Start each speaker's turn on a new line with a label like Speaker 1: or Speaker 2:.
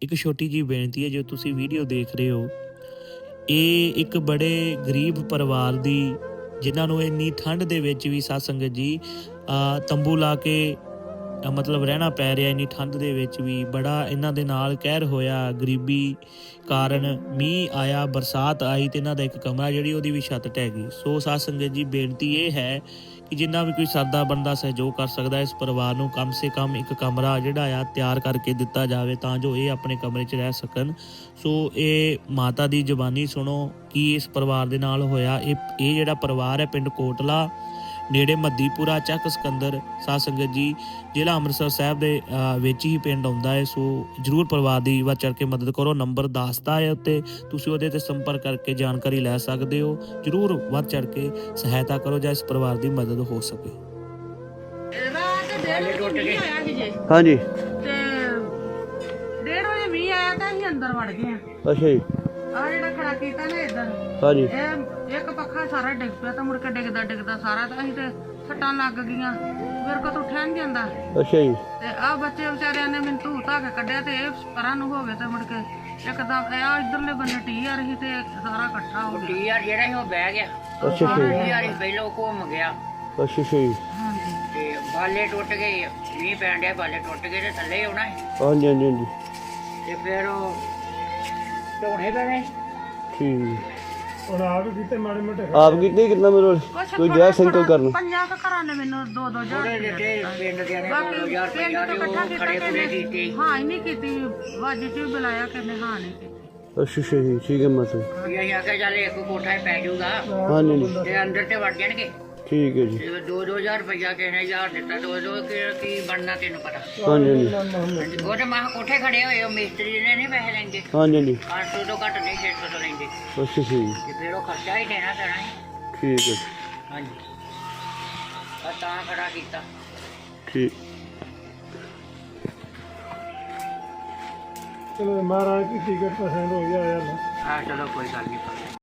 Speaker 1: ਇੱਕ ਛੋਟੀ ਜਿਹੀ ਬੇਨਤੀ ਹੈ, ਜੋ ਤੁਸੀਂ ਵੀਡੀਓ ਦੇਖ ਰਹੇ ਹੋ, ਇਹ ਇੱਕ ਬੜੇ ਗਰੀਬ ਪਰਿਵਾਰ ਦੀ, ਜਿਨ੍ਹਾਂ ਨੂੰ ਇੰਨੀ ਠੰਡ ਦੇ ਵਿੱਚ ਵੀ ਸਾਧ ਸੰਗਤ ਜੀ ਤੰਬੂ ਲਾ ਕੇ ਮਤਲਬ ਰਹਿਣਾ ਪੈ ਰਿਹਾ। ਇੰਨੀ ਠੰਡ ਦੇ ਵਿੱਚ ਵੀ ਬੜਾ ਇਹਨਾਂ ਦੇ ਨਾਲ ਕਹਿਰ ਹੋਇਆ। ਗਰੀਬੀ ਕਾਰਨ ਮੀਂਹ ਆਇਆ, ਬਰਸਾਤ ਆਈ ਤੇ ਇਹਨਾਂ ਦਾ ਇੱਕ ਕਮਰਾ ਜਿਹੜੀ ਉਹਦੀ ਵੀ ਛੱਤ ਢਹਿ ਗਈ। ਸੋ ਸਾਧ ਸੰਗਤ ਜੀ ਬੇਨਤੀ ਇਹ ਹੈ ਕਿ ਜਿੰਨਾ ਵੀ ਕੋਈ ਸਰਦਾ ਬੰਦਾ ਸਹਿਯੋਗ ਕਰ ਸਕਦਾ, ਇਸ ਪਰਿਵਾਰ ਨੂੰ ਕਮ ਸੇ ਕਮ ਇੱਕ ਕਮਰਾ ਜਿਹੜਾ ਆ ਤਿਆਰ ਕਰਕੇ ਦਿੱਤਾ ਜਾਵੇ, ਤਾਂ ਜੋ ਇਹ ਆਪਣੇ ਕਮਰੇ 'ਚ ਰਹਿ ਸਕਣ। ਸੋ ਇਹ ਮਾਤਾ ਦੀ ਜ਼ੁਬਾਨੀ ਸੁਣੋ ਕੀ ਇਸ ਪਰਿਵਾਰ ਦੇ ਨਾਲ ਹੋਇਆ। ਇਹ ਜਿਹੜਾ ਪਰਿਵਾਰ ਹੈ ਪਿੰਡ ਕੋਟਲਾ ਨੇੜੇ ਮੱਦੀਪੁਰਾ ਚੱਕ ਸਿਕੰਦਰ, ਸਾਧ ਸੰਗਤ ਜੀ ਜ਼ਿਲ੍ਹਾ ਅੰਮ੍ਰਿਤਸਰ ਸਾਹਿਬ ਦੇ ਵਿੱਚ ਹੀ ਪਿੰਡ ਆਉਂਦਾ ਹੈ। ਸੋ ਜ਼ਰੂਰ ਪਰਿਵਾਰ ਦੀ ਵੱਧ ਚੜ੍ਹ ਕੇ ਮਦਦ ਕਰੋ। ਨੰਬਰ ਦੱਸਦਾ ਹੈ ਉੱਤੇ, ਤੁਸੀਂ ਉਹਦੇ 'ਤੇ ਸੰਪਰਕ ਕਰਕੇ ਜਾਣਕਾਰੀ ਲੈ ਸਕਦੇ ਹੋ। ਜ਼ਰੂਰ ਵੱਧ ਚੜ੍ਹ ਕੇ ਸਹਾਇਤਾ ਕਰੋ ਜਾਂ ਇਸ ਪਰਿਵਾਰ ਦੀ ਮਦਦ ਹੋ ਸਕੇ।
Speaker 2: ਹਾਂਜੀ
Speaker 3: ਤੇ 1:30 ਵਜੇ ਮੀਂਹ ਆਇਆ ਤਾਂ ਅਸੀਂ ਅੰਦਰ ਵੜ ਗਏ ਆ।
Speaker 2: ਅੱਛਾ ਜੀ।
Speaker 3: ਆ ਜਿਹੜਾ ਖੜਾ ਕੀਤਾ ਨਾ ਇੱਧਰ,
Speaker 2: ਹਾਂਜੀ
Speaker 3: ਇਹ ਇੱਕ ਪੱਖਾ ਸਾਰਾ ਡਿੱਗ ਪਿਆ ਤਾਂ ਮੁੜ ਕੇ ਡਿੱਗਦਾ ਸਾਰਾ, ਤਾਂ ਅਸੀਂ ਤੇ ਸੱਟਾਂ ਲੱਗ ਗਈਆਂ, ਮੇਰੇ ਕੋਲ ਤਾਂ ਉੱਠਿਆ ਨਹੀਂ ਜਾਂਦਾ।
Speaker 2: ਅੱਛਾ ਜੀ।
Speaker 3: ਤੇ ਆ ਬੱਚੇ ਵਿਚਾਰਿਆਂ ਨੇ ਮੈਨੂੰ ਧੂ ਧਾ ਕੇ ਕੱਢਿਆ, ਤੇ ਇਹ ਪਰਾਂ ਨੂੰ ਹੋਵੇ ਤੇ ਮੁੜ ਕੇ ਇੱਕਦਮ ਆ ਇਧਰਲੇ ਬੰਨੇ ਟੀ ਆ ਰਹੀ ਤੇ ਸਾਰਾ ਇਕੱਠਾ ਹੋ ਗਿਆ।
Speaker 4: ਟੀ ਆ ਜਿਹੜਾ ਸੀ ਉਹ ਬਹਿ ਗਿਆ।
Speaker 2: ਅੱਛਾ
Speaker 4: ਟੀ ਆ ਪਹਿਲੋਂ ਘੁੰਮ ਗਿਆ।
Speaker 2: ਅੱਛਾ ਜੀ।
Speaker 3: ਹਾਂਜੀ
Speaker 4: ਤੇ ਬਾਲੇ ਟੁੱਟ ਗਏ, ਮੀਂਹ ਪੈਣ ਡਿਆ, ਬਾਲੇ ਟੁੱਟ ਗਏ ਤੇ ਥੱਲੇ ਆਉਣਾ ਸੀ।
Speaker 2: ਹਾਂਜੀ ਹਾਂਜੀ ਹਾਂਜੀ
Speaker 4: ਤੇ ਫਿਰ ਉਹ ਢੋਣੇ ਪੈਣੇ।
Speaker 2: ਠੀਕ।
Speaker 5: ਹੁਣ ਆਪ ਕੀਤੇ ਮਾੜੇ ਮੋਟੇ
Speaker 2: ਆਪ ਕਿੰਨੇ ਕਿੰਨਾ ਮੇਰੇ ਕੋਈ ਜੈ ਸੰਕਲ ਕਰਨ
Speaker 3: 50 ਘਰਾਂ ਨੇ ਮੈਨੂੰ 2-2
Speaker 4: ਥੋੜੇ
Speaker 3: ਹਜ਼ਾਰ
Speaker 4: ਜਿਹੇ ਪਿੰਡ ਦੇ ਨੇ
Speaker 3: ਬਾਕੀ
Speaker 4: 2000
Speaker 3: ਪਿੰਡ
Speaker 4: ਰੁਪਇਆ
Speaker 3: ਤੋਂ
Speaker 4: ਦੇ
Speaker 3: ਇਕੱਠਾ
Speaker 4: ਉਹ
Speaker 3: ਕੀਤਾ
Speaker 4: ਖੜੇ ਖੁੜੇ
Speaker 3: ਕਿਸੇ
Speaker 4: ਕੀਤੇ।
Speaker 3: ਨੇ ਹਾਂ ਹੀ ਨਹੀਂ ਕੀਤੀ, ਵਾਜੀ ਚ ਵੀ ਬੁਲਾਇਆ ਕਿਸੇ ਹਾਂ ਨਹੀਂ ਕੀਤੀ।
Speaker 2: ਅੱਛਾ ਜੀ। ਠੀਕ ਹੈ ਮਾਤਾ ਜੀ।
Speaker 4: ਵੀ ਅਸੀਂ ਆਖਿਆ ਚੱਲ ਇੱਕ ਕੋਠਾ ਹੀ ਪੈ ਜਾਊਗਾ
Speaker 2: ਹਾਂਜੀ ਹਾਂਜੀ
Speaker 4: ਤੇ ਅੰਦਰ ਤੇ ਵੜ ਜਾਣਗੇ।
Speaker 2: ਠੀਕ ਹੈ ਜੀ।
Speaker 4: ਤੇ 2-2000 ਰੁਪਇਆ ਕਿਸੇ ਨੇ 1000 ਦਿੱਤਾ, 2-2 ਕੀ ਬਣਨਾ ਤੈਨੂੰ ਪਤਾ।
Speaker 2: ਹਾਂਜੀ ਹਾਂਜੀ
Speaker 4: ਉਹ ਤੇ ਮਾਹ ਕੋਠੇ ਖੜੇ ਹੋਏ, ਉਹ ਮਿਸਤਰੀ ਨੇ ਨਹੀਂ ਪੈਸੇ ਲੈਂਦੇ।
Speaker 2: ਹਾਂਜੀ ਹਾਂਜੀ
Speaker 4: 800 ਤੋਂ ਘੱਟ ਨਹੀਂ 600 ਤੋਂ ਲੈਂਦੇ।
Speaker 2: ਅੱਛਾ ਜੀ।
Speaker 4: ਤੇ ਫਿਰ ਉਹ ਖਰਚਾ ਹੀ ਦੇਣਾ ਪੈਣਾ ਹੈ।
Speaker 2: ਠੀਕ ਹੈ
Speaker 4: ਹਾਂਜੀ ਆ ਤਾਂ ਖੜਾ ਕੀਤਾ।
Speaker 2: ਠੀਕ।
Speaker 5: ਚਲੋ ਮਹਾਰਾਜ ਕੀ ਟਿਕਟ ਪਸੰਦ ਹੋ ਗਿਆ ਯਾਰ।
Speaker 4: ਹਾਂ ਚਲੋ ਕੋਈ ਗੱਲ ਨਹੀਂ।